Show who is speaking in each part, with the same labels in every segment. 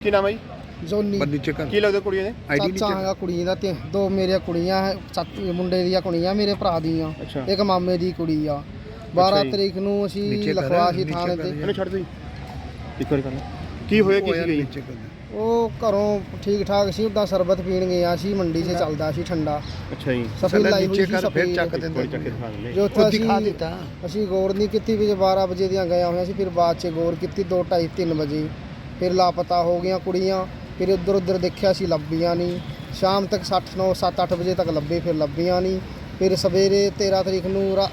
Speaker 1: ਕੀ ਨਾਮ ਹੈ ਜੀ?
Speaker 2: ਜੋਨੀ
Speaker 1: ਕੀ ਲੱਗਦਾ ਕੁੜੀਆਂ ਦੇ?
Speaker 2: ਚਾਚਾ ਹੈਗਾ ਕੁੜੀ ਦਾ ਤੇ ਦੋ ਮੇਰੀਆਂ ਕੁੜੀਆਂ ਹੈ, ਮੁੰਡੇ ਦੀਆਂ ਕੁੜੀਆਂ ਮੇਰੇ ਭਰਾ ਦੀਆਂ, ਇੱਕ ਮਾਮੇ ਦੀ ਕੁੜੀ ਆ। 12 ਤਰੀਕ ਨੂੰ ਅਸੀਂ ਲਖਵਾ ਸੀ ਥਾਣੇ ਤੇ।
Speaker 1: ਇਹਨੂੰ ਛੱਡ ਦੋ ਜੀ ਇੱਕ ਵਾਰੀ ਕਰਨਾ। ਕੀ ਹੋਇਆ ਕੀ ਸੀ?
Speaker 2: ਉਹ ਘਰੋਂ ਠੀਕ ਠਾਕ ਸੀ, ਉੱਦਾਂ ਸਰਬਤ ਪੀਣ ਗਿਆ ਸੀ, ਮੰਡੀ 'ਚ ਚੱਲਦਾ ਸੀ ਠੰਡਾ।
Speaker 1: ਅੱਛਾ ਜੀ।
Speaker 2: ਸਫੇਦ ਲਾਈ ਹੋਈ ਸੀ ਸਫੇਦ। ਜੋ ਉੱਥੇ ਅਸੀਂ ਗੌਰ ਨਹੀਂ ਕੀਤੀ ਵੀ 12 ਵਜੇ ਦੀਆਂ ਗਏ ਹੋਏ ਸੀ, ਫਿਰ ਬਾਅਦ 'ਚ ਗੌਰ ਕੀਤੀ 2, 2:30, 3 ਵਜੇ ਫਿਰ ਲਾਪਤਾ ਹੋ ਗਈਆਂ ਕੁੜੀਆਂ। ਫਿਰ ਇੱਧਰ ਉੱਧਰ ਦੇਖਿਆ ਸੀ, ਲੱਭੀਆਂ ਨਹੀਂ। ਸ਼ਾਮ ਤੱਕ 7, 8 ਵਜੇ ਤੱਕ ਲੱਭੇ, ਫਿਰ ਲੱਭੀਆਂ ਨਹੀਂ। ਫਿਰ ਸਵੇਰੇ 13 ਤਰੀਕ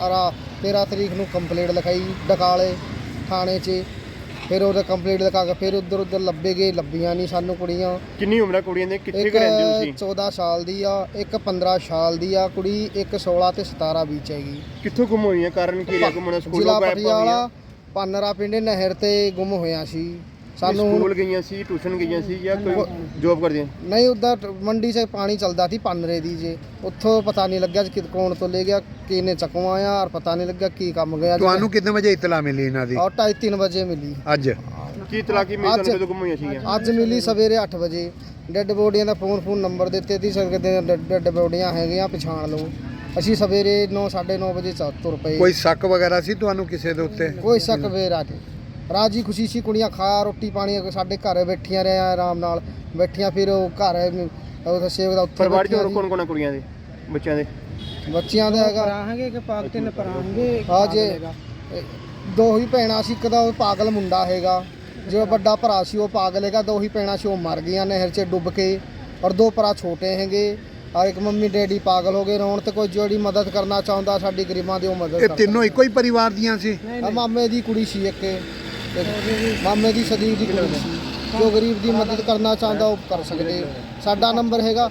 Speaker 2: ਨੂੰ ਕੰਪਲੇਂਟ ਲਿਖਾਈ ਡਕਾਲੇ ਥਾਣੇ 'ਚ। ਫਿਰ ਉਹਦਾ ਕੰਪਲੇਂਟ ਲਿਖਾ ਕੇ ਫਿਰ ਉੱਧਰ ਲੱਭੇ ਗਏ, ਲੱਭੀਆਂ ਨਹੀਂ ਸਾਨੂੰ ਕੁੜੀਆਂ।
Speaker 1: ਕਿੰਨੀ ਉਮਰ ਹੈ ਕੁੜੀਆਂ ਦੀ? ਕਿੱਥੇ
Speaker 2: ਇੱਕ
Speaker 1: ਰਹਿੰਦੇ ਤੁਸੀਂ?
Speaker 2: 14 ਸਾਲ ਦੀ ਆ, ਇੱਕ 15 ਸਾਲ ਦੀ ਆ ਕੁੜੀ, ਇੱਕ 16 ਤੇ 17 ਵਿੱਚ ਹੈਗੀ।
Speaker 1: ਕਿੱਥੋਂ ਗੁੰਮ ਹੋਈਆਂ? ਕਾਰਨ ਕੀ ਰਿਹਾ? ਗੁੰਮ ਹੋਣਾ
Speaker 2: ਜ਼ਿਲ੍ਹਾ ਪਟਿਆਲਾ ਪਾਨਰਾ ਪਿੰਡ ਨਹਿਰ ਤੇ ਗੁੰਮ ਹੋਇਆ ਸੀ। ਸਾਨੂੰ
Speaker 1: ਸਕੂਲ ਗਈਆਂ ਸੀ, ਟਿਊਸ਼ਨ ਗਈਆਂ ਸੀ ਜਾਂ ਕੋਈ ਜੌਬ ਕਰਦੀਆਂ?
Speaker 2: ਨਹੀਂ, ਉੱਧਰ ਮੰਡੀ 'ਚ ਪਾਣੀ ਚੱਲਦਾ ਸੀ ਪਾਨਰੇ ਦੀ ਜੇ, ਉੱਥੋਂ ਪਤਾ ਨਹੀਂ ਲੱਗਿਆ ਕਿ ਕੌਣ ਤੋਂ ਲੈ ਗਿਆ, ਕਿਹਨੇ ਚਕਵਾਇਆ, ਔਰ ਪਤਾ ਨਹੀਂ ਲੱਗਿਆ ਕੀ ਕੰਮ ਗਿਆ।
Speaker 3: ਤੁਹਾਨੂੰ ਕਿੰਨੇ ਵਜੇ ਇਤਲਾ ਮਿਲੀ ਇਹਨਾਂ ਦੀ?
Speaker 2: ਔਰ 2:30, 3 ਵਜੇ ਮਿਲੀ।
Speaker 1: ਅੱਜ ਕੀ ਇਤਲਾ ਕੀ ਮਿਲੀ ਤੁਹਾਨੂੰ? ਗੁੰਮ ਹੋਈਆਂ ਸੀਗੀਆਂ
Speaker 2: ਅੱਜ ਮਿਲੀ ਸਵੇਰੇ 8 ਵਜੇ। ਡੈੱਡ ਬੋਡੀਆਂ ਦਾ ਫੋਨ ਨੰਬਰ ਦਿੱਤੇ ਸੀ, ਸਕਦੇ ਡੈੱਡ ਬੋਡੀਆਂ ਹੈਗੀਆਂ, ਪਛਾਣ ਲਓ। ਅਸੀਂ ਸਵੇਰੇ 9, 9:30 ਵਜੇ ਤੁਰ ਪਏ।
Speaker 3: ਕੋਈ ਸ਼ੱਕ ਵਗੈਰਾ ਸੀ ਤੁਹਾਨੂੰ ਕਿਸੇ ਦੇ ਉੱਤੇ?
Speaker 2: ਕੋਈ ਸ਼ੱਕ ਵੇਰਾ ਨਹੀਂ, ਰਾਜੀ ਖੁਸ਼ੀ ਸੀ। ਕੁੜੀਆਂ ਖਾ ਰੋਟੀ ਪਾਣੀ ਸਾਡੇ ਘਰ ਬੈਠੀਆਂ ਰਿਹਾ ਆਰਾਮ ਨਾਲ ਬੈਠੀਆਂ। ਫਿਰ ਉਹ ਘਰ ਸੇਵ ਦਾ ਉੱਥੇ
Speaker 1: ਪਰਿਵਾਰ 'ਚ ਹੋਰ ਕੌਣ ਕੁੜੀਆਂ ਦੇ ਬੱਚਿਆਂ ਦੇ?
Speaker 2: ਬੱਚਿਆਂ ਦਾ ਹੈਗਾ
Speaker 4: ਹੈਗੇ ਕਿ ਪਾਗ 3 ਭਰਾ ਹੈਗੇ।
Speaker 2: ਹਾਂ ਜੇ 2 ਹੀ ਭੈਣਾਂ ਸੀ, ਇੱਕ ਦਾ ਉਹ ਪਾਗਲ ਮੁੰਡਾ ਹੈਗਾ, ਜੋ ਵੱਡਾ ਭਰਾ ਸੀ ਉਹ ਪਾਗਲ ਹੈਗਾ। 2 ਹੀ ਭੈਣਾਂ ਸੀ, ਉਹ ਮਰ ਗਈਆਂ ਨਹਿਰ 'ਚ ਡੁੱਬ ਕੇ, ਔਰ 2 ਭਰਾ ਛੋਟੇ ਹੈਗੇ। ਔਰ ਇੱਕ ਮੰਮੀ ਡੈਡੀ ਪਾਗਲ ਹੋ ਗਏ ਰੋਣ ਤੇ। ਕੋਈ ਜਿਹੜੀ ਮਦਦ ਕਰਨਾ ਚਾਹੁੰਦਾ ਸਾਡੀ ਗਰੀਬਾਂ ਦੀ, ਉਹ ਮਦਦ
Speaker 3: ਇਹ ਤਿੰਨੋਂ ਇੱਕੋ ਹੀ ਪਰਿਵਾਰ ਦੀਆਂ ਸੀ?
Speaker 2: ਮਾਮੇ ਦੀ ਕੁੜੀ ਸੀ, ਇੱਕ ਮਾਮੇ ਦੀ ਸਦੀਕ ਦੀ ਕੁੜੀ ਸੀ। ਜੋ ਗਰੀਬ ਦੀ ਮਦਦ ਕਰਨਾ ਚਾਹੁੰਦਾ ਉਹ ਕਰ ਸਕਦੇ। ਸਾਡਾ ਨੰਬਰ ਹੈਗਾ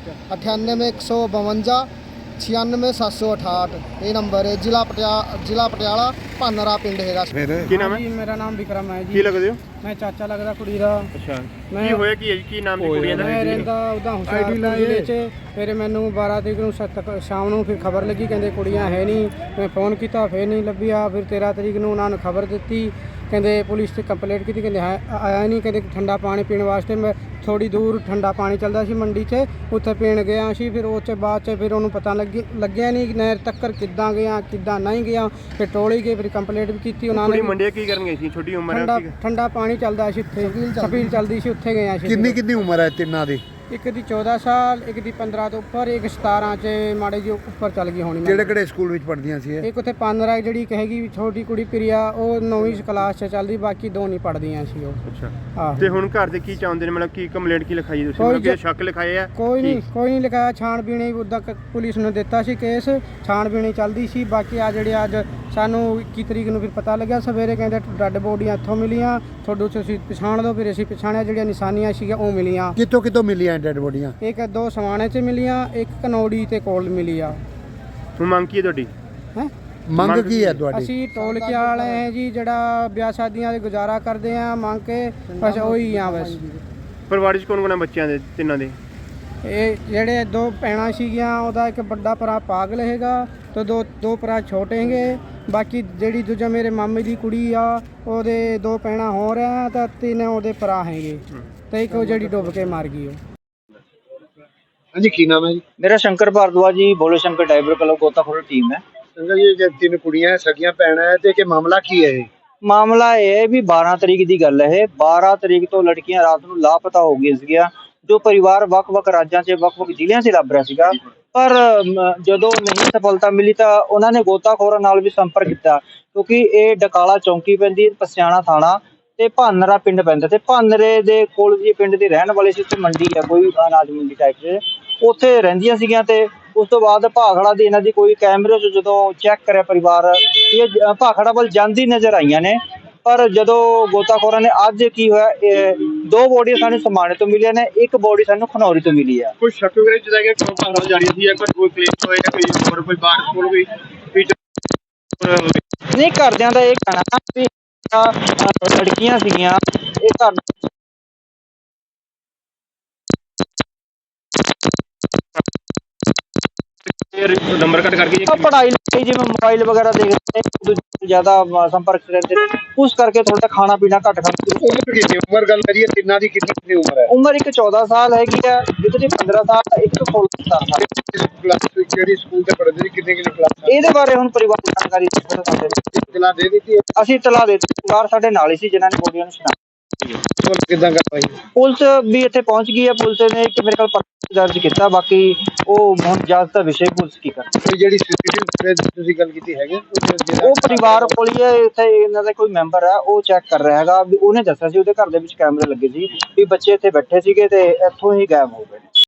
Speaker 2: 98 152 96 768। ਇਹ ਨੰਬਰ ਹੈ। ਜ਼ਿਲ੍ਹਾ ਪਟਿਆਲਾ ਪਾਨਰਾ ਪਿੰਡ ਹੈਗਾ।
Speaker 1: ਕੀ ਨਾਮ ਹੈ?
Speaker 4: ਮੇਰਾ ਨਾਮ ਵਿਕਰਮ ਹੈ ਜੀ।
Speaker 1: ਕੀ ਲੱਗਦੇ ਹੋ?
Speaker 4: ਮੈਂ ਚਾਚਾ ਲੱਗਦਾ ਕੁੜੀ ਦਾ।
Speaker 1: ਅੱਛਾ, ਕੀ ਹੋਇਆ ਕੀ ਹੈ? ਕੀ ਨਾਮ ਦੀ ਕੁੜੀਆਂ ਦਾ?
Speaker 4: ਮੈਂ ਰਹਿੰਦਾ ਉਹਦਾ ਹੁਸ਼ਿਆਰਪੁਰ ਜ਼ਿਲ੍ਹੇ 'ਚ। ਫਿਰ ਮੈਨੂੰ 12 ਤਰੀਕ ਨੂੰ ਸ਼ਾਮ ਨੂੰ ਫਿਰ ਖਬਰ ਲੱਗੀ, ਕਹਿੰਦੇ ਕੁੜੀਆਂ ਹੈ ਨਹੀਂ। ਮੈਂ ਫੋਨ ਕੀਤਾ, ਫਿਰ ਨਹੀਂ ਲੱਭਿਆ। ਫਿਰ 13 ਤਰੀਕ ਨੂੰ ਉਹਨਾਂ ਨੇ ਖਬਰ ਦਿੱਤੀ, ਕਹਿੰਦੇ ਪੁਲਿਸ 'ਤੇ ਕੰਪਲੇਂਟ ਕੀਤੀ, ਕਹਿੰਦੇ ਆਇਆ ਨਹੀਂ। ਕਹਿੰਦੇ ਠੰਡਾ ਪਾਣੀ ਪੀਣ ਵਾਸਤੇ ਮੈਂ ਥੋੜੀ ਦੂਰ ਠੰਡਾ ਪਾਣੀ ਚੱਲਦਾ ਸੀ ਮੰਡੀ 'ਚ, ਉੱਥੇ ਪੀਣ ਗਿਆ ਸੀ। ਫਿਰ ਉਹ 'ਚ ਬਾਅਦ 'ਚ ਫਿਰ ਉਹਨੂੰ ਪਤਾ ਲੱਗਿਆ ਨਹੀਂ ਨਹਿਰ ਤੱਕ ਕਿੱਦਾਂ ਗਿਆ ਕਿੱਦਾਂ ਨਹੀਂ ਗਿਆ। ਫਿਰ ਟੋਲੀ ਗਏ, ਫਿਰ ਕੰਪਲੇਂਟ ਵੀ ਕੀਤੀ ਉਹਨਾਂ ਨੇ।
Speaker 1: ਮੰਡੀ ਕੀ ਕਰਨ ਗਏ ਸੀ? ਛੋਟੀ ਉਮਰ ਹੈ।
Speaker 4: ਠੰਡਾ ਪਾਣੀ ਚੱਲਦਾ ਸੀ ਉੱਥੇ, ਛਬੀਲ ਚੱਲਦੀ ਸੀ, ਉੱਥੇ ਗਏ ਸੀ।
Speaker 3: ਕਿੰਨੀ ਉਮਰ ਹੈ ਤਿੰਨਾਂ ਦੀ?
Speaker 4: ਇੱਕ ਦੀ 14 ਸਾਲ, ਇੱਕ ਦੀ 15 ਤੋਂ ਉੱਪਰ, ਇੱਕ 17 'ਚ ਮਾੜੇ ਜਿਹੇ ਉੱਪਰ ਚੱਲ ਗਈ ਹੋਣੀ।
Speaker 3: ਕਿਹੜੇ ਸਕੂਲ ਵਿੱਚ ਪੜ੍ਹਦੀਆਂ ਸੀ ਇਹ?
Speaker 4: ਇੱਕ ਉੱਥੇ ਪਾਨਰਾ ਜਿਹੜੀ ਕਹੇਗੀ ਛੋਟੀ ਕੁੜੀ ਪ੍ਰਿਆ, ਉਹ 9ਵੀਂ ਕਲਾਸ 'ਚ ਚੱਲਦੀ, ਬਾਕੀ 2 ਨਹੀਂ ਪੜ੍ਹਦੀਆਂ ਸੀ ਉਹ।
Speaker 1: ਅੱਛਾ, ਤੇ ਹੁਣ ਘਰ ਦੇ ਕੀ ਚਾਹੁੰਦੇ ਨੇ? ਮਤਲਬ ਕੀ ਕੰਪਲੇਂਟ ਕੀ ਲਿਖਾਈ ਤੁਸੀਂ? ਮਤਲਬ ਕਿ ਸ਼ੱਕ ਲਿਖਾਏ ਆ? ਕੋਈ
Speaker 4: ਨਹੀਂ ਲਿਖਾਇਆ। ਛਾਣਬੀਣੀ ਉੱਦਾਂ ਪੁਲਿਸ ਨੇ ਦਿੱਤਾ ਸੀ ਕੇਸ, ਛਾਣਬੀਣੀ ਚੱਲਦੀ ਸੀ। ਬਾਕੀ ਆ ਜਿਹੜੇ ਅੱਜ ਸਾਨੂੰ 21 ਤਰੀਕ ਨੂੰ ਫਿਰ ਪਤਾ ਲੱਗਿਆ ਸਵੇਰੇ, ਕਹਿੰਦੇ ਡੈੱਡ ਬੋਡੀਆਂ ਇੱਥੋਂ ਮਿਲੀਆਂ, ਤੁਹਾਡੇ ਤੁਸੀਂ ਪਛਾਣ ਲਓ। ਫਿਰ ਅਸੀਂ ਪਛਾਣਿਆ, ਜਿਹੜੀਆਂ ਨਿਸ਼ਾਨੀਆਂ ਸੀਗੀਆਂ ਉਹ ਮਿਲੀਆਂ।
Speaker 3: ਕਿੱਥੋਂ ਮਿਲੀਆਂ ਡੈੱਡ ਬੋਡੀਆਂ?
Speaker 4: ਇੱਕ 2 ਸਮਾਣੇ 'ਚ ਮਿਲੀਆਂ, ਇੱਕ ਕਨੌੜੀ ਤੇ ਕੋਲ ਮਿਲੀ ਆ।
Speaker 1: ਹੁਣ ਮੰਗ ਕੀ ਹੈ ਤੁਹਾਡੀ?
Speaker 3: ਮੰਗ ਕੀ ਹੈ ਤੁਹਾਡੀ?
Speaker 4: ਅਸੀਂ ਟੋਲਕੇ ਵਾਲੇ ਹੈ ਜੀ, ਜਿਹੜਾ ਵਿਆਹ ਸ਼ਾਦੀਆਂ ਦੇ ਗੁਜ਼ਾਰਾ ਕਰਦੇ ਆ, ਮੰਗ ਕੇ ਬਸ ਉਹੀ ਆ ਬਸ।
Speaker 1: ਪਰਿਵਾਰ 'ਚ ਕੌਣ ਬੱਚਿਆਂ ਦੇ? ਤਿੰਨਾਂ ਦੇ?
Speaker 4: ਇਹ ਜਿਹੜੇ 2 ਭੈਣਾਂ ਸੀਗੀਆਂ, ਉਹਦਾ ਇੱਕ ਵੱਡਾ ਭਰਾ ਪਾਗਲ ਹੈਗਾ ਤੇ 2 ਭਰਾ ਛੋਟੇ ਹੈਗੇ। ਬਾਕੀ ਜਿਹੜੀ ਦੂਜਾ ਮੇਰੇ ਮਾਮੇ ਦੀ ਕੁੜੀ ਆ, ਉਹਦੇ 2 ਭੈਣਾਂ ਹੋ ਰਿਹਾ ਤਾਂ 3 ਉਹਦੇ ਭਰਾ ਹੈਗੇ, ਤੇ ਇੱਕ ਉਹ ਜਿਹੜੀ ਡੁੱਬ ਕੇ ਮਰ ਗਈ ਉਹ।
Speaker 3: ਹਾਂਜੀ, ਕੀ ਨਾਮ ਹੈ ਜੀ?
Speaker 5: मेरा शंकर भारद्वाज जी, भोले शंकर डाइवर क्लब गोताखोर टीम है।
Speaker 3: ਸੰਗਤ ਜੀ, ਜੇ 3 ਕੁੜੀਆਂ ਹੈ, ਸਗੀਆਂ ਭੈਣਾਂ ਹੈ, ਤੇ ਕਿ ਮਾਮਲਾ ਕੀ ਹੈ ਇਹ?
Speaker 5: ਮਾਮਲਾ ਇਹ ਹੈ ਵੀ 12 ਤਰੀਕ ਦੀ ਗੱਲ ਹੈ। 12 ਤਰੀਕ ਤੋਂ ਲੜਕੀਆਂ ਰਾਤ ਨੂੰ ਲਾਪਤਾ ਹੋ ਗਈਆਂ ਸੀਗੀਆਂ। ਜੋ ਪਰਿਵਾਰ ਵੱਖ-ਵੱਖ ਰਾਜਾਂ 'ਚ ਵੱਖ-ਵੱਖ ਜ਼ਿਲ੍ਹਿਆਂ 'ਚ ਲੱਭ ਰਿਹਾ ਸੀਗਾ, ਪਰ ਜਦੋਂ ਨਹੀਂ ਸਫਲਤਾ ਮਿਲੀ ਤਾਂ ਉਹਨਾਂ ਨੇ ਗੋਤਾਖੋਰਾਂ ਨਾਲ ਵੀ ਸੰਪਰਕ ਕੀਤਾ, ਕਿਉਂਕਿ ਇਹ ਡਕਾਲਾ ਚੌਂਕੀ ਪੈਂਦੀ, ਪਸਿਆਣਾ ਥਾਣਾ ਤੇ ਭਾਨਰਾ ਪਿੰਡ ਪੈਂਦਾ। ਤੇ ਭਾਨਰੇ ਦੇ ਕੋਲ ਜੀ ਪਿੰਡ ਦੇ ਰਹਿਣ ਵਾਲੇ ਸੀ। ਉੱਥੇ ਮੰਡੀ ਆ, ਕੋਈ ਅਨਾਜ ਮੰਡੀ ਟਾਈਪ 'ਚ, ਉੱਥੇ ਰਹਿੰਦੀਆਂ ਸੀਗੀਆਂ। ਤੇ ਉਸ ਤੋਂ ਬਾਅਦ ਭਾਖੜਾ ਦੀ ਇਹਨਾਂ ਦੀ ਕੋਈ ਕੈਮਰੇ 'ਚ ਜਦੋਂ ਚੈੱਕ ਕਰਿਆ ਪਰਿਵਾਰ, ਇਹ ਭਾਖੜਾ ਵੱਲ ਜਾਂਦੀ ਨਜ਼ਰ ਆਈਆਂ ਨੇ। ਪਰ ਜਦੋਂ ਗੋਤਾਖੋਰਾਂ ਨੇ ਅੱਜ ਕੀ ਹੋਇਆ, 2 ਬੋਡੀਆਂ ਸਾਨੂੰ ਸਮਾਣੇ ਤੋਂ ਮਿਲੀਆਂ ਨੇ, ਇੱਕ ਬੋਡੀ ਸਾਨੂੰ ਖਨੌਰੀ ਤੋਂ ਮਿਲੀ ਆ।
Speaker 1: ਕੋਈ ਸ਼ੱਕ ਵਗੈਰਾ ਜਿਹਦਾ ਕਿ ਕਿਉਂ ਭਾਖੜਾ ਜਾ ਰਹੀ ਸੀ? ਕੋਈ ਕਲੇਮ ਹੋਏਗਾ? ਕੋਈ ਬਾਹਰ ਕੋਲ ਕੋਈ
Speaker 5: ਨਹੀਂ, ਘਰਦਿਆਂ ਦਾ ਇਹ ਕਹਿਣਾ ਵੀ ਲੜਕੀਆਂ ਸੀਗੀਆਂ, ਇਹ ਘਰ
Speaker 1: ਨੰਬਰ ਕੱਟ ਕਰਕੇ
Speaker 5: ਪੜ੍ਹਾਈ ਲਈ ਜਿਵੇਂ ਮੋਬਾਈਲ ਵਗੈਰਾ ਦੇਖਦੇ ਨੇ ਜ਼ਿਆਦਾ ਸੰਪਰਕ ਰਹਿੰਦੇ ਨੇ, ਉਸ ਕਰਕੇ ਥੋੜਾ ਖਾਣਾ ਪੀਣਾ ਘੱਟ ਖਾਂਦੇ।
Speaker 3: ਉਮਰ ਗੱਲ ਕਰੀਏ ਤਿੰਨਾਂ ਦੀ ਕਿੰਨੀ ਉਮਰ ਹੈ?
Speaker 5: ਉਮਰ ਇੱਕ 14 ਸਾਲ ਹੈਗੀ ਹੈ, ਇੱਕ ਦੀ 15 ਸਾਲ, ਇੱਕ ਤੋਂ 16 ਸਾਲ।
Speaker 3: ਕਲਾਸ ਕਿਹੜੀ ਸਕੂਲ ਤੇ ਪੜ੍ਹਦੇ ਸੀ, ਕਿੰਨੇ ਕਲਾਸ?
Speaker 5: ਇਹਦੇ ਬਾਰੇ ਹੁਣ ਪਰਿਵਾਰ ਦੀ ਜਾਣਕਾਰੀ
Speaker 3: ਇਤਲਾ ਦੇ ਦਿੱਤੀ?
Speaker 5: ਅਸੀਂ ਇਤਲਾ ਦੇ ਦਿੱਤੀ, ਪਰਿਵਾਰ ਸਾਡੇ ਨਾਲ ਹੀ ਸੀ ਜਿਨ੍ਹਾਂ ਨੇ ਬੋਡੀਆਂ ਨੂੰ ਸ਼ਨਾਖਤ।
Speaker 3: ਕਿੱਦਾਂ ਕਰਵਾਈ?
Speaker 5: ਪੁਲਿਸ ਵੀ ਇੱਥੇ ਪਹੁੰਚ ਗਈ ਹੈ, ਪੁਲਿਸ ਨੇ ਇੱਕ ਮੇਰੇ ਕੋਲ ਪਰਚਾ ਦਰਜ ਕੀਤਾ, ਬਾਕੀ ਉਹ ਹੁਣ ਜਾਂਚ ਦਾ ਵਿਸ਼ੇ ਪੁਲਿਸ ਕੀ ਕਰਦੀ।
Speaker 3: ਕੋਈ ਜਿਹੜੀ ਸੀਸੀਟੀਵੀ ਤੁਸੀਂ ਗੱਲ ਕੀਤੀ ਹੈਗੇ
Speaker 5: ਉਹ ਪਰਿਵਾਰ ਕੋਲ ਹੀ ਹੈ, ਇੱਥੇ ਇਹਨਾਂ ਦਾ ਕੋਈ ਮੈਂਬਰ ਹੈ ਉਹ ਚੈੱਕ ਕਰ ਰਿਹਾ ਹੈਗਾ ਵੀ ਉਹਨੇ ਦੱਸਿਆ ਸੀ ਉਹਦੇ ਘਰ ਦੇ ਵਿੱਚ ਕੈਮਰੇ ਲੱਗੇ ਸੀ ਵੀ ਬੱਚੇ ਇੱਥੇ ਬੈਠੇ ਸੀਗੇ ਤੇ ਇੱਥੋਂ ਹੀ ਗਾਇਬ ਹੋ ਗਏ।